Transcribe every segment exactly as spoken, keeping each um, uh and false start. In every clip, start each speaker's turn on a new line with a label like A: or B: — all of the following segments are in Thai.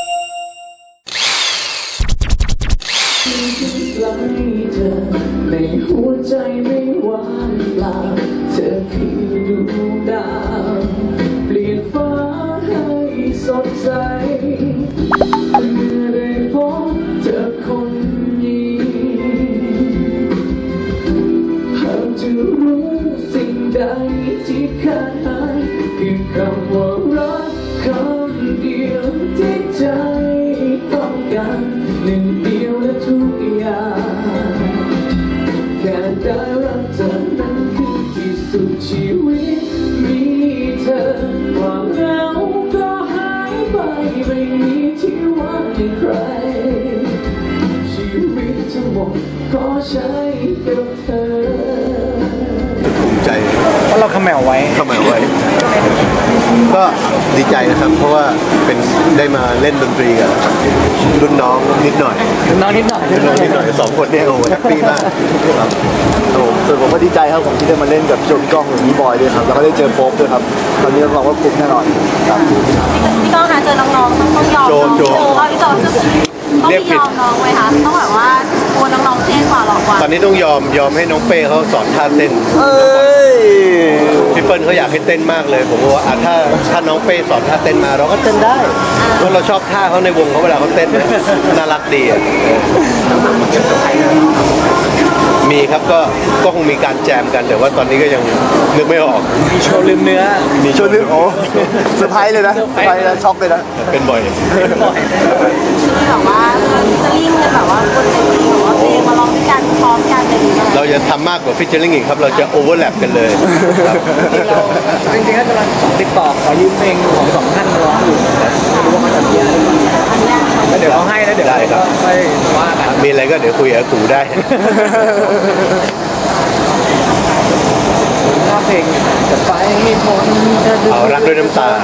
A: ในหัวใจไม่ว่างเปล่าเธอคือดวงดาวเปลี่ยนฟ้าให้สดใสเมื่อได้พบเธอคนนี้หากจะรู้สิ่งใดที่ขาดหายคือคำว่ารักคำเดียวที่ใจต้องการหนึ่งเดียวและทุกอย่างแค่ได้รักเธอนั้นคือที่สุดชีวิตมีเธอความเหงาก็หายไปไม่มีที่ว่างให้ใครชีวิตทั้งหมดก็ใช้กับเธอ
B: ภูมิใจ
C: เพราะเราขมแมวไว้
B: ขมแมวไว้ก็ดีใจนะครับเพราะว่าเป็นได้มาเล่นดนตรีกับรุ่นน้องนิดหน่อย
C: รุ่นน้องนิดหน่อย
B: รุ่นน้องนิดหน่อยสองคนเนี่ยโอ้โหแฮปปี้มากครับ
D: ส่วนผมก็ดีใจครับผมที่ได้มาเล่นกับโจพี่ก้องหรือพี่บอยด้วยครับแล้วก็ได้เจอโป๊ปด้วยครับตอนนี้รับรองว่าคุ้มแน่นอนครับ
E: พี่ก้องคะเจอน้องๆต้องยอม
B: โจโจ
E: พี่โจต้องยอมน้องไว้ค่ะต้องแบบว่าโอ้น้องๆเท่กว่าหรอกว่า
B: ตอนนี้ต้องยอมยอมให้น้องเป้เขาสอนท่าเต้นพี่เปิ้ลเขาอยากให้เต้นมากเลยผมว่าถ้าถ้าน้องเป้สอนท่าเต้นมาเราก็เต้นได้เพราะเราชอบท่าเขาในวงเขาเวลาเขาเต้นน่ารักดีอ่ะมีครับก็ก็คงมีการแจมกันแต่ว่าตอนนี้ก็ยังนึกไม่ออก
C: มีโชว์ลืมเนื้อ
D: มีโชว์ลืมโอ้เซอร์ไพรส์เลยนะเซอร์ไพรส์แล้วช็อกเลยนะ
B: เป็นบ่อย
E: ที่แบบว่าจะลิ่งกันแบบว่าคนจะลิ่งแบบว่าเพลงมาร้องด้วยกันพร้อมกันอะไรอย่างเงี้ย
B: เราจะทำมากกว่าฟิชเชอร์ลิงอีกครับเราจะโอเวอร์แลปกันเลย
C: จริงๆก็จะมาติดต่อขอยืมเพลงของสองท่านมาร้องอยู่ไม่รู้ว่าเขาจะมีอะไรแล้วเดี๋ยวเขาให้แล้วเดี๋ยวก็ค่อยว่ากัน
B: มีอะไรก็เดี๋ยวคุยกับกูได้
C: เพลงจะไปไม่พ้น
B: เอารักด้วยน้ำตา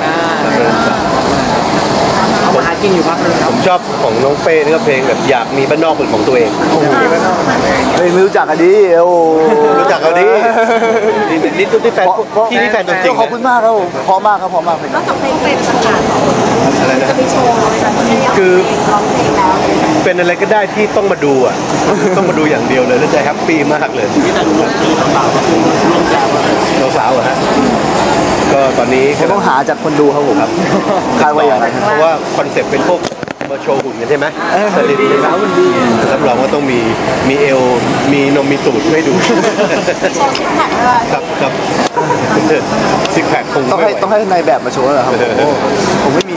C: เอามาหากินอยู่พักนึงครับ
B: ผมชอบของน้องเป้นี่ก็เพลงแบบอยากมีบ้านนอกเป็นของตัวเอง
D: เฮ้ยไม่รู้จักกันดิโอ้
B: รู้จักกันดินี่นี่ตุ๊กที่แฟนที่นี่แฟนตัวจริง
D: ขอบคุณมากครับผมพอมากครับพอมากเลย
E: นอกจากเพลงเป็นประกาศ
B: อะไรนะ
E: จะมีโชว์
B: คือเป็นอะไรก็ได้ที่ต้องมาดูอ่ะต้องมาดูอย่างเดียวเลยแล้วใจแฮปปี้มากเลยที่นั่นร่วมคือสาวๆคือร่วมแจมสาวๆอ่ะฮะก็ตอนนี้
D: ผมต้องหาจากคนดูครับผมครับคาดว่าอย่างไร
B: เพราะว่าคอนเซ็ปต์เป็นพวกมาโชว์หุ่นกันใช่ไหมสลิดสาวหุ่นดีรับรองว่าต้องมีมีเอวมีนมมีตูดให้ดูครับครับซิกแพคคง
D: ต้องให้ต้องให้นายแบบมาโชว์แล้วครับผมไม่มี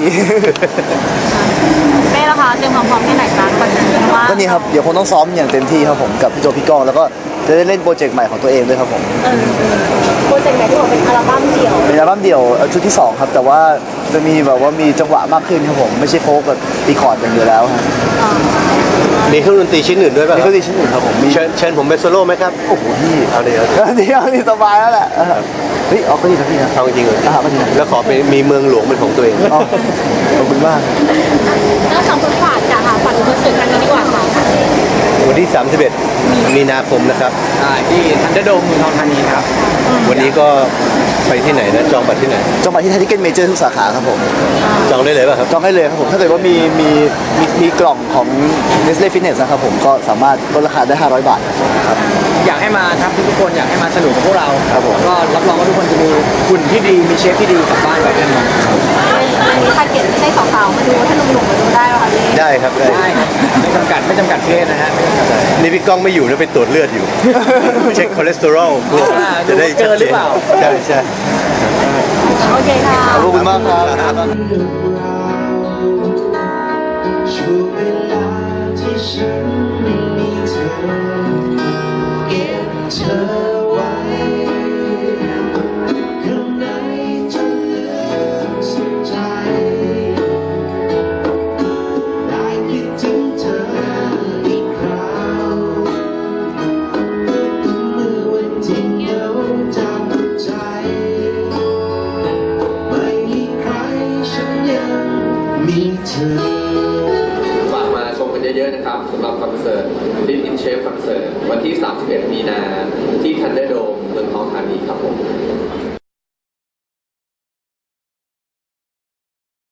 E: เป้ละคะเตรียมความพร้อมที่ไหนบ้างก่อนว่า
D: ก็นี่ครับเดี๋ยวคงต้องซ้อมอย่างเต็มที่ครับผมกับพี่โจพี่ก้องแล้วก็จะได้เล่นโปรเจกต์ใหม่ของตัวเองด้วยครับผม
E: โปรเจกต์ไหนที่บอกเป็นอัลบั้มเดี่ยว
D: เป็นอัลบั้มเดี่ยวชุดที่สองครับแต่ว่าจะมีแบบว่ามีจังหวะมากขึ้นครับผมไม่ใช่โฟก์แบบตีคอร์ดอย่างเดียวแล้วครับ
B: มีเครื่องดนตรีชิ้นอื่นด้วยป่ะ
D: มีเครื่องดนตรีชิ้นอื่นครับผม
B: เชิญเชิญผมเป็นโซโล่ไหมครับ
D: โอ้โหพี่
B: เอาเดี๋ยว
D: เดี๋ยวนี่สบายแล้วแหละเฮ้ยเอาก็ดีนะพี่นะ
B: เอาจริงเลย
D: ก็ดีนะ
B: แล้วขอเป็นมีเมืองหลวงเป็นของตัวเอง
D: ขอบคุณมาก
E: แล้วสองคนฝากจากหาฝันคอนเสิร์ตครั้งนี้ดีกว่าค่ะ
B: วันที่สามสิบเอ็ดมีนาคมนะครับ
C: ที่ทันเดอร์โดมเมืองทองธานีครับ
B: วันนี้ก็ไปที่ไหนนะจองบัตรที่ไหน
D: จองบัตรที่ไทยทิเก็ตเมเจอร์ทุกสาขาครับผม
B: จองได้เลยป่ะครับ
D: จองได้เลยครับผมถ้าเกิดว่ามีมีมีมีกล่องของ Nestle Fitness นะครับผมก็สามารถลดราคาได้ห้าร้อยบาทครับ
C: อยากให้มาครับทุกคนอยากให้มาสนุกกับพวกเรา
D: ครับผม
C: ก็รับรองว่าทุกคนจะมีหุ่นที่ดีมีเชฟที่ดีกลับบ้านแบบแน่นอน
E: อันนี้ถ้าเกิดไม่ใช่สาวๆมาดูถ้าหนุ่มๆมาดูได้ป่ะคะพี่
B: ได้ครับ
C: ได้ไม่จำกัดไม่จำกัดเพศนะฮะ
B: นี่พี่ก้องไม่อยู่แล้วไปตรวจเลือดอยู่เช็คคอเลสเตอรอล
C: จะได้เจอหรือเปล่า
B: ใช่ใช่
E: โอเคค่ะ
D: ขอบคุณมากครับ
A: ช่วงเวลาที่ฉันไม่มีเธอเก็บเธอไว้ข้างในจนเหลือสุดใจได้คิดถึงเธออีกคราวเมื่อวันที่เหงาจับใจไม่มีใครฉันยังมีเธอ
F: ฝากมาชมกันเยอะๆนะครับสำหรับคอนเสิร์ต Live in Shape คอนเสิร์ตวันที่สามสิบเอ็ดมีนาที่ Thunderdome เมืองทองธานีครับผม